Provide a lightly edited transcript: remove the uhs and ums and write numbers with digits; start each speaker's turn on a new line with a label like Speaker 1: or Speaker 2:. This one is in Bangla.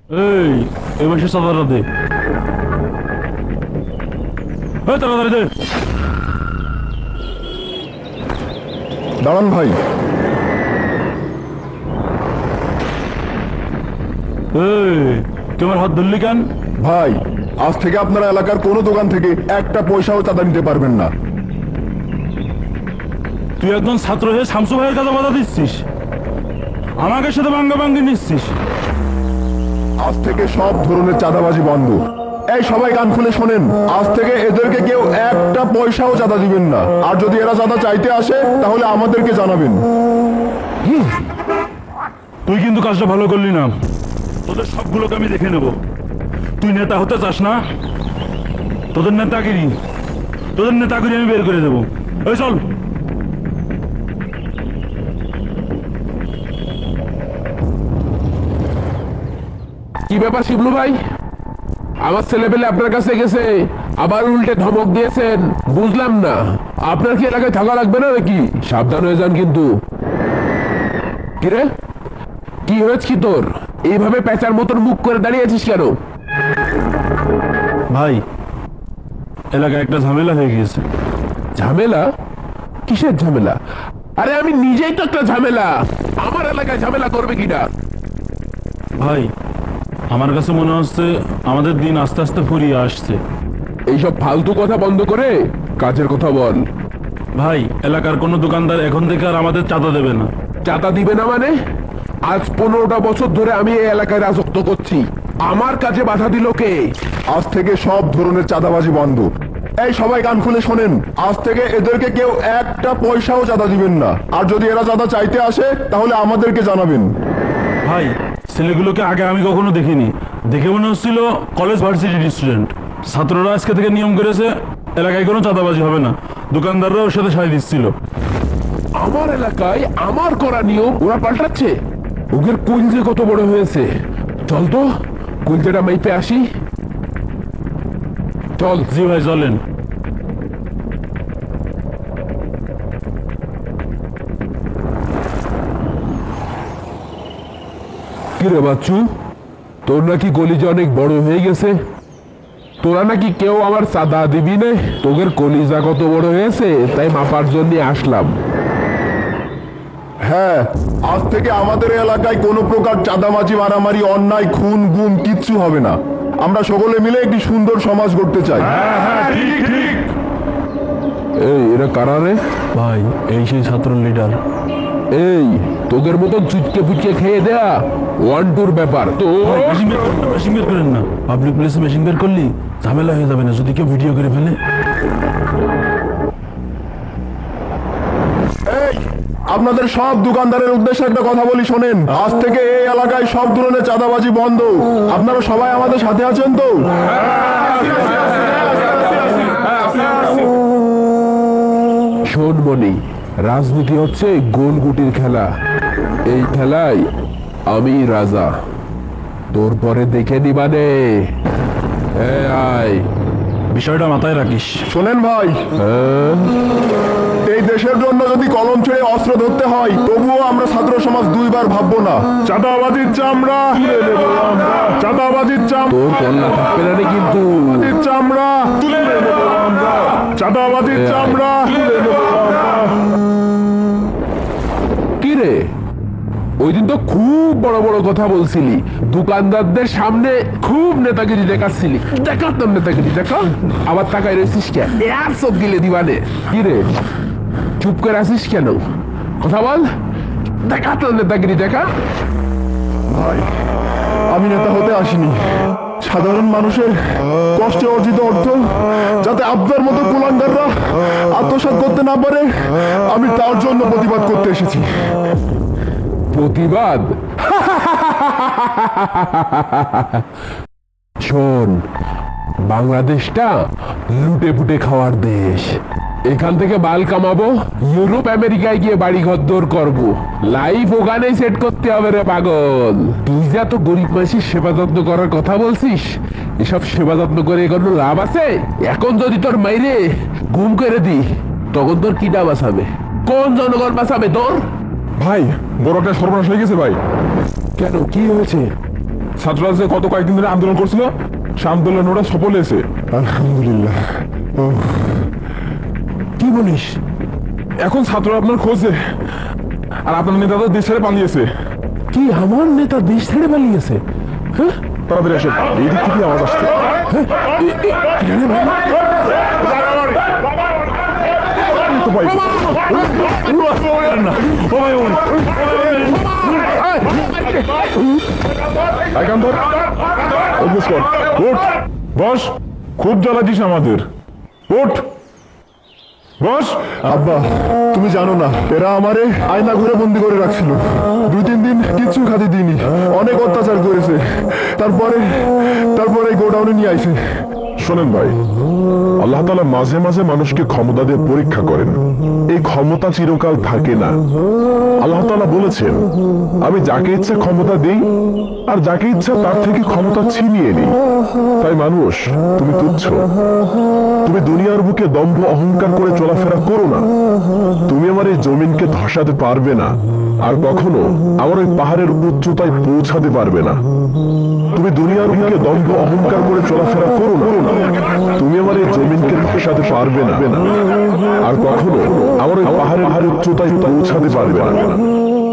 Speaker 1: এই এই মাসে চাঁদাটা দে। তাড়াতাড়ি দে।
Speaker 2: দাঁড়ান ভাই।
Speaker 1: তোমার হাত ধরলি কেন?
Speaker 2: ভাই, আজ থেকে আপনারা এলাকার কোনো দোকান থেকে একটা পয়সাও চাঁদা নিতে পারবেন না।
Speaker 1: তুই একজন ছাত্র হয়ে শামসু ভাইয়ের কাছে বাধা দিচ্ছিস, আমাকে সাথে ভাঙ্গা ভাঙ্গি নিচ্ছিস।
Speaker 2: আজ থেকে সব ধরনের চাঁদাবাজি বন্ধ। এই সবাই কান খুলে শোনেন, আজ থেকে এদেরকে কেউ একটা পয়সাও চাঁদা দিবেন না। আর যদি এরা চাঁদা চাইতে আসে তাহলে আমাদেরকে জানাবেন।
Speaker 1: তুই কিন্তু কাজটা ভালো করলি না, তোদের সবগুলোকে আমি দেখে নেব। তুই নেতা হতে চাস না? তোদের নেতাগিরি আমি বের করে দেবো। এই চল।
Speaker 3: কি ব্যাপার শিবলু ভাই, আমার ছেলে পেলে আপনার কাছে গেছে, আবার উল্টে ধমক দিয়েছেন, বুঝলাম না। আপনার কি এলাকায় থাকা লাগবে না নাকি? সাবধান হয়ে যান কিন্তু। কিরে, কি হয়েছে কি তোর? এইভাবে পেঁচার মতন মুখ করে দাঁড়িয়েছিস কেন?
Speaker 1: ভাই, এলাকায় একটা ঝামেলা হয়ে গিয়েছে।
Speaker 3: ঝামেলা? কিসের ঝামেলা? আরে আমি নিজেই তো একটা ঝামেলা, আমার এলাকায় ঝামেলা করবে কিনা?
Speaker 1: ভাই, আমার কাছে মনে হচ্ছে আমাদের দিন আস্তে আস্তে ফুরিয়ে আসছে।
Speaker 3: এইসব ফালতু কথা বন্ধ করে কাজের কথা বল।
Speaker 1: ভাই, এলাকার কোনো দোকানদার এখন থেকে আর আমাদের চাঁদা দেবে না।
Speaker 3: চাঁদা দিবে না মানে? আজ 15টা বছর ধরে আমি এই এলাকায় রাজত্ব করছি, আমার কাজে বাধা দিল কে?
Speaker 2: আজ থেকে সব ধরনের চাঁদাবাজি বন্ধ। এই সবাই কান খুলে শোনেন, আজ থেকে এদেরকে কেউ একটা পয়সাও চাঁদা দিবেন না। আর যদি এরা চাঁদা চাইতে আসে তাহলে আমাদেরকে জানাবেন।
Speaker 1: ভাই, ছেলেগুলোকে আগে আমি কখনো দেখিনি, দেখে মনে হচ্ছিল কলেজ ভার্সিটির স্টুডেন্ট। ছাত্ররা আজকে থেকে নিয়ম করেছে এলাকায় কোনো চাঁদাবাজি হবে না, দোকানদাররা ওর সাথে সায় দিচ্ছিল।
Speaker 3: আমার এলাকায় আমার করা নিয়ম ওরা পাল্টাচ্ছে? ওদের কুলজে কত বড় হয়েছে! চল তো কুলজেটা মাইপে আসি। চল।
Speaker 1: জি ভাই, চলেন।
Speaker 3: কিরে বাচ্চু, তোর নাকি কলিজা অনেক বড় হয়ে গেছে? তোরা নাকি কেউ আমার চাঁদা দিবি না? তোদের কলিজা কত বড় হয়েছে তাই মাপার জন্য আসলাম।
Speaker 2: হ্যাঁ, আজ থেকে আমাদের এলাকায় কোনো প্রকার চাঁদাবাজি, মারামারি, অন্যায়, খুন গুম কিচ্ছু হবে না। আমরা সকলে মিলে একটি সুন্দর সমাজ গড়তে চাই।
Speaker 3: এই এরা কারা রে?
Speaker 1: ভাই, এই সেই ছাত্র লিডার।
Speaker 3: এই তোদের মতন চুটকে পুচকে খেয়ে দেয়া 1-2 ব্যাপার তো।
Speaker 1: মেশিন বের করেন না, পাবলিক প্লেসে মেশিন বের করলি ঝামেলা হয়ে যাবে না, যদি কেউ ভিডিও করে ফেলে।
Speaker 2: এই, আপনাদের সব দোকানদারের উদ্দেশ্যে একটা কথা বলি শোনেন, আজ থেকে এই এলাকায় সব ধরনের চাঁদাবাজি বন্ধ। আপনারা সবাই আমাদের সাথে আছেন তো?
Speaker 3: শোন মনি, রাজনীতি হচ্ছে গোলগুটির খেলা। এই খেলায় আমি রাজা, তোর পরে দেখে নিবানে। আয়।
Speaker 1: বিষয়টা মাথায় রাখিস।
Speaker 2: শোনেন ভাই, এই দেশের জন্য যদি কলম ছেড়ে অস্ত্র ধরতে হয় তবুও আমরা ছাত্র সমাজ দুইবার ভাববো না। চাঁদাবাজির চামড়া, চাঁদাবাজির চামড়া,
Speaker 3: তোর কল্লা থাকবে না রে কিন্তু।
Speaker 2: চামড়া তুলে নেবো আমরা, চাঁদাবাজির চামড়া তুলে নেবো আমরা।
Speaker 3: কি রে, ওই দিন তো খুব বড় বড় কথা বলছিলি, দোকানদারদের সামনে খুব নেতাগিরি দেখাচ্ছিলি। দেখাতাম নেতাগিরি, দেখা আবার তাকাই রয়েছিস কেন? আর সব গিলে দিবানে। কি রে, চুপ করে আসিস কেন? কথা বল, দেখাতাম নেতাগিরি, দেখা।
Speaker 2: ভাই, আমি নেতা হতে আসিনি, সাধারণ মানুষের কষ্টে অর্জিত অর্থ যাতে আপনার মতো কুলাঙ্গাররা আত্মসাৎ করতে না পারে, আমি তার জন্য প্রতিবাদ করতে এসেছি।
Speaker 3: প্রতিবাদ? শোন, বাংলাদেশটা লুটে পুটে খাওয়ার দেশ। এখান থেকে মাল কামাবো, ইউরোপ আমেরিকায় গিয়ে বাড়ি ঘর করবো, লাইফ ওখানেই সেট করতে হবে রে পাগল। তুই যা তো গরিব মানুষের সেবা যত্ন করার কথা বলছিস, এসব সেবা যত্ন করে কোনো লাভ আছে? এখন যদি তোর মাইরে গুম করে দি তখন তোর কিটা বাঁচাবে? কোন জনগণ বাঁচাবে তোর?
Speaker 2: ভাই, বড় একটা সর্বনাশ হয়ে গেছে ভাই।
Speaker 3: কেন, কি হয়েছে?
Speaker 4: ছাত্ররা যে কত কয়েকদিন ধরে আন্দোলন করছিল সে আন্দোলন ওরা সফল হয়েছে।
Speaker 2: আলহামদুলিল্লাহ। ও
Speaker 3: কি বলিস?
Speaker 4: এখন ছাত্ররা আপনার খোঁজে, আর আপনার নেতা তো দেশ ছেড়ে পালিয়েছে।
Speaker 3: কি আমার নেতা দেশ ছেড়ে পালিয়েছে? হ্যাঁ,
Speaker 4: তাড়াতাড়ি আসেন, এই দিক থেকে আওয়াজ আসছে। এই তো ভাই। এই কান ধর। অভ্যাস কর। উঠ, বস। খুব জ্বালাচ্ছিস আমাদের। উঠ, বস।
Speaker 2: আব্বা, তুমি জানো না এরা আমারে আয়না ঘরে বন্দি করে রাখছিল। 2-3 দিন কিচ্ছু খাতে দিইনি, অনেক অত্যাচার করেছে। তারপরে গোডাউনে নিয়ে আইছে।
Speaker 4: শোনেন ভাই, আল্লাহ তাআলা মাঝে মাঝে মানুষকে ক্ষমতা দিয়ে পরীক্ষা করেন। এই ক্ষমতা চিরকাল থাকে না। আল্লাহ তাআলা বলেছেন, আমি যাকে ইচ্ছা ক্ষমতা দেই আর যাকে ইচ্ছা তার থেকে ক্ষমতা ছিনিয়ে নিই। তাই মানুষ, তুমি তুচ্ছ। তুমি দুনিয়ার বুকে দম্ভ অহংকার করে চলাফেরা করো না। তুমি আমার এই জমিনকে ধসাতে পারবে না, আর কখনো আমার ওই পাহাড়ের উচ্চতায় পৌঁছাতে পারবে না। তুমি দুনিয়ার বুকে দম্ভ অহংকার করে চলাফেরা করো না। তুমি আমার এই জমিনকে ধসাতে পারবে না, আর কখনো আমার ওই পাহাড়ের উচ্চতায় পৌঁছাতে পারবে না।